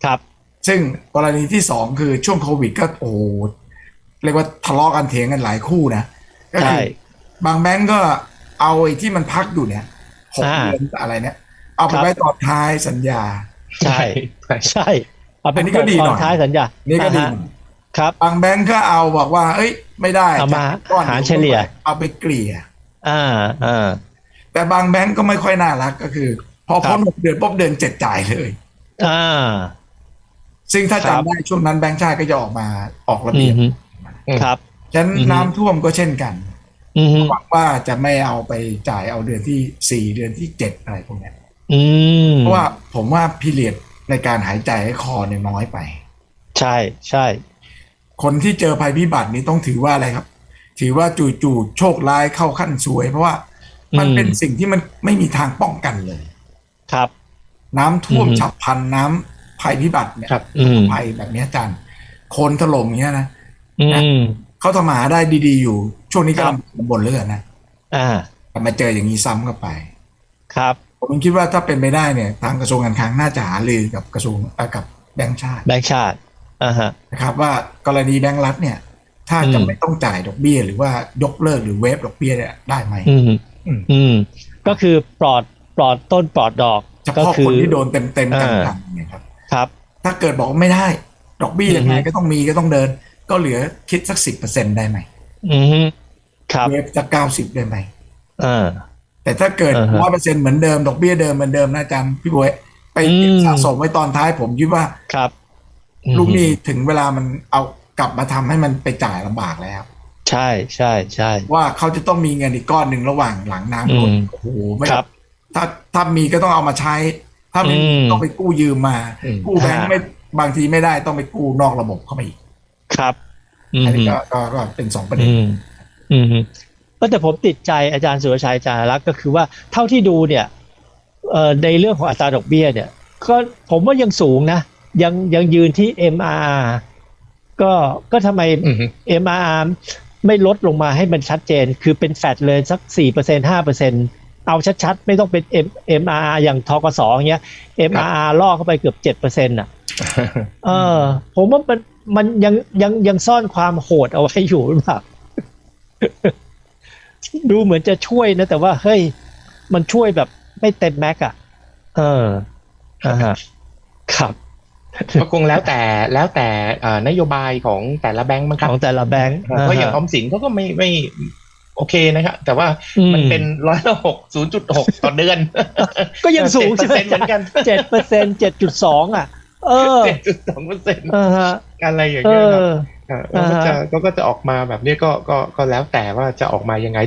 ครับซึ่งกรณีที่สองคือช่วงโควิดก็โอ้เรียกว่าทะเลาะกันเถียงกันหลายคู่นะก็ใช่คือบางแบงก์ก็เอาไอ้ที่มันพักอยู่เนี่ยหกอ่าเดือนอะไรเนี่ยเอาไปครับไว้ตอนท้ายสัญญาใช่ใช่ใช่ใช่เอาเป็นอันนี้ก็ดีตอนหน่อยท้ายสัญญานี่ก็ดีฮะหน่อยครับบางแบงก์ก็เอาบอกว่าเอ้ยไม่ได้เอามาจ่ายก้อนหารเดียวเฉลี่ยไม่ไหวเอาไปเกลี่ยอ่าอ่าแต่บางแบงก์ก็ไม่ค่อยน่ารักก็คือพอครับพ้น6 เดือนปุ๊บเดือน7จ่ายเลยอ่าซึ่งถ้าครับจำได้ช่วงนั้นแบงก์ชาติก็จะออกมาออกระเบียบอืมฮึอืมครับฉะนั้นอืมฮึน้ำท่วมก็เช่นกันอืมฮึหวังว่าจะไม่เอาไปจ่ายเอาเดือนที่4เดือนที่7อะไรพวกเนี้ยอืมเพราะว่าผมว่าพีเรียดในการหายใจให้คอเนี่ยน้อยไปใช่ใช่คนที่เจอภัยพิบัตินี้ต้องถือว่าอะไรครับถือว่าจู่ๆโชคร้ายเข้าขั้นซวยเพราะว่าอืมันมเป็นสิ่งที่มันไม่มีทางป้องกันเลยครับน้ำอืท่วมมฮึฉับพลันน้ำภัยพิบัติเนี่ยครับอืมภัยแบบนี้อาจารย์โคลนถล่มอย่างเงี้ยนะอืนะมเขาทำมาหาได้ดีๆอยู่ช่วงนี้ครับกำลังบ่นเรื่องนะอ่าแต่มาเจออย่างนี้ซ้ำเข้าไปครับผมคิดว่าถ้าเป็นไปได้เนี่ยทางกระทรวงการคลังน่าจะหารือกับกระทรวงกับแบงก์ชาติแบงค์ชาติอ่าฮะนะครับว่ากรณีแบงก์รัฐเนี่ยถ้าอืมจะไม่ต้องจ่ายดอกเบี้ยหรือว่ายกเลิกหรือเวฟดอกเบี้ยเนี่ยได้ไหมอืมอืมอืมก็คือปลอดต้นปลอดดอกเฉก็คือพาะคนที่โดนเต็มๆอ่าจังๆเนี่ยครับครับถ้าเกิดบอกว่าไม่ได้ดอกเบี้ยอืมฮึยังไงก็ต้องมีก็ต้องเดินก็เหลือคิดสัก10%ได้ไหมอืมฮึครับเวฟสัก90ได้ไหมอ่าแต่ถ้าเกิดอ่าฮะ 100%เหมือนเดิมดอกเบี้ยเดิมเหมือนเดิมนะอาจารย์พี่บวยไปอืเก็บมสะสมไว้ตอนท้ายผมคิดว่าครับอืลูกหนี้มถึงเวลามันเอากลับมาทำให้มันไปจ่ายลำบากแล้วใช่ใช่ใช่ว่าเขาจะต้องมีเงินอีกก้อนหนึ่งระหว่างหลังอืน้ำลดมโอ้โหไม่ครับถ้ามีก็ต้องเอามาใช้ ถ้าอืไม่มีมต้องไปกู้ยืมมาอืมกู้แบงค์ไม่บางทีไม่ได้ต้องไปกู้นอกระบบเข้ามาอีกครับอือันนี้มก็เป็น2 ประเด็นอืมอืมแต่ผมติดใจอาจารย์สุรชัยอาจารย์รักษ์ก็คือว่าเท่าที่ดูเนี่ยในเรื่องของอัตราดอกเบี้ยเนี่ยก็ผมว่ายังสูงนะยังยืนที่ MRR ก็ก็ทำไมอืม MRR ไม่ลดลงมาให้มันชัดเจนคือเป็นแฟดเลยสัก4% 5%เอาชัดๆไม่ต้องเป็น MRR อย่างทกสอย่างเงี้ยครับ MRR ล่อเข้าไปเกือบ7%อ่ะเออผมว่ามันยังซ่อนความโหดเอาไว้อยู่หรือเปล่า ดูเหมือนจะช่วยนะแต่ว่าเฮ้ยมันช่วยแบบไม่เต็มแม็กอะเอออ่าฮะครับก็คงแล้วแต่นโยบายของแต่ละแบงก์มั้งคขรับองแต่ละแบงค์เพราะอย่างออมสินเขาก็ไม่โอเคนะครับแต่ว่ามันเป็น100 ละ 6 0.6ต่อเดือนก็ยังสูงใช่ไหม 7%เหมือนกัน 7%7.2อ่ะเออ 7.2% อ่าฮะอะไรอย่างเอเงี้ยครับอเขาก็จะออกมาแบบนี้ก็แล้วแต่ว่าจะออกมายังไง